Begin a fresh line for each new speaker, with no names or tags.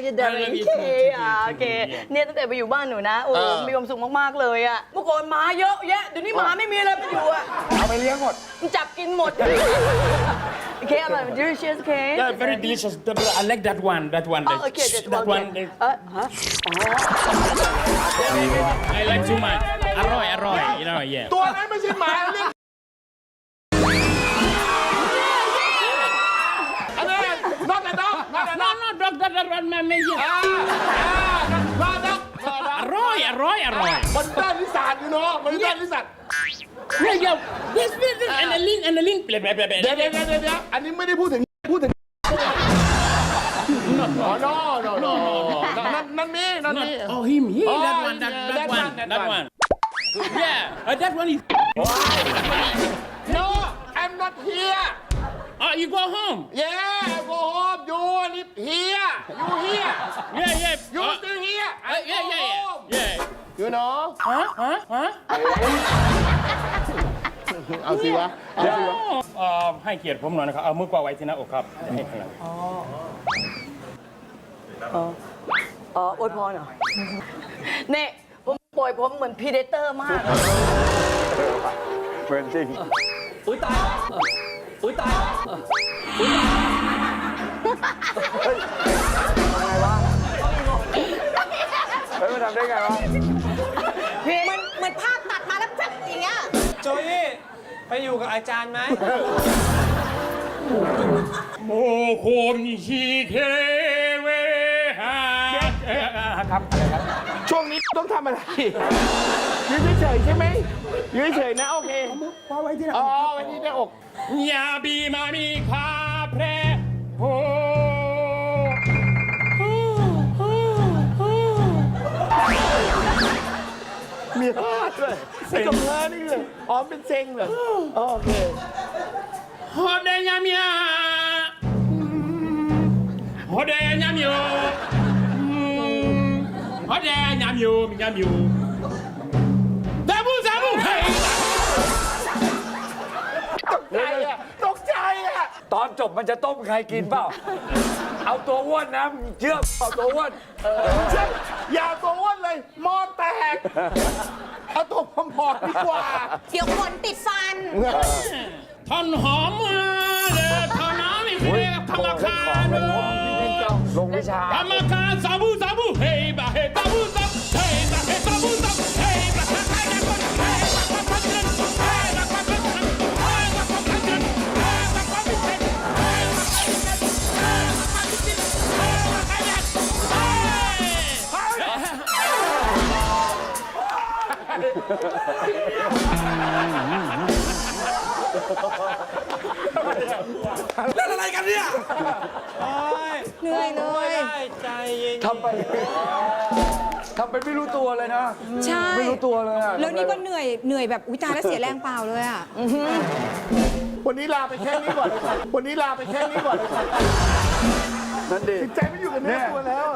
you darling โอเคเนี่ยตั้งแต่ไปอยู่บ้านหนูนะโอ้มีความสุขมากๆเลยอะเมื่อก่อนหมาเยอะแยะเดี๋ยวนี้หมาไม่มีอะไรมาอยู่อะ
เอาไปเลี้ยงหมด
จับกินหมดโอเคอร่อย delicious โอเค
Yeah, very delicious. I like that one. That one.
Oh, okay,
that one. I like too much. อร่อย yeah.
ตัวนั้นไม่ใช่หมาเรียกอันนี้นอกจากดอก
No, dog, that one, man, yeah.
นอกจาก
อร่อย
มันด้านนิสัยอยู่เนาะมันด้านนิสัย
Yeah. This, and the link.
เดี๋ยวอันนี้ไม่ได้พูดถึงอ๋อ no นั่นมี
Oh, him. That one. Yeah, that one is.
no I'm not here
Oh, you go home.
yeah I go home you live here you here
Yeah.
you still here I go home
Yeah.
you know เอาสิวะ
ให้เกียรติผมหน่อยนะครับ เอามือกวาดไว้ที่หน้าอกครับจะให้พลัง
อวยพรเหรอเนี่ยผมปล่อยผมเหมือนพีเดเตอร์มาก
เหมือนจริง
อุ้ยตาย
เฮ้ยมันทำได้ไงวะ
เหมือนภาพตัดมาแล้วแบบอย่างเงี้ย
โจยี่ไปอยู่กับอาจารย์ไหม
โมโคมชีเคเวหาครับอะไรครับ
ช่วงนี้ต้องทำอะไรยืนเฉยๆใช่ไหมยืนเฉยๆนะโอเคไว้ที่หน้าอกไว้ที่หน้าอก
ยาบีมามีคาเพรโฮ
มีฮาดเลยไอ้กับเธอนี่เลยอ๋อเป็นเซ็งเหรอโอเค
ฮอเดยามยาฮอเดยามยูฮอเดยามยูซาบูเฮ้ย
ตกใจอ่ะ
ตอนจบมันจะต้มใครกินเปล่า เอาตัวอ้วนนะเชื่อเอาตัวอ้วน
ใช่อย่าตัวอ้วนเลยหมอแตกเอาตัวผอมๆดีกว่า
เดี๋ยวขนติดฟัน
ท่อนหอมมาเลยท่อนน้ำอีกทีธรรมคา
ลงวิชา
ธรรมคาซาบูเฮ้ยบาเฮ้ซาบูเฮ้ยบาเฮ้ซาบูเฮ้ยบาเฮ้ใครจะคนเฮ้ยบาคนพันเงินเฮ้ยบาคนพันเงินเฮ้ยบาคนพันเงินเฮ้ยบาคนพิเศษเฮ้ยบาคนพิเศษเฮ้ยบาคนพิเศษเฮ้ยบาใครจะ
เล่นอะไรกันเนี่ย
เหนื่อยเลย
ใจเย็น
ทำไปไม่รู้ตัวเลยนะ
ใช่
ไม่รู้ตัวเลยอะ
แล้วนี่ก็เหนื่อยแบบอุ้ยตายแล้วเสียแรงเปล่าเลยอ่ะ
วันนี้ลาไปแค่นี้ก่อนเลยครับวันนี้ลาไปแค่นี้ก่อนเลยครับ
นั่นดิ
จิตใจไม่อยู่กับเนื้อตัวแล้ว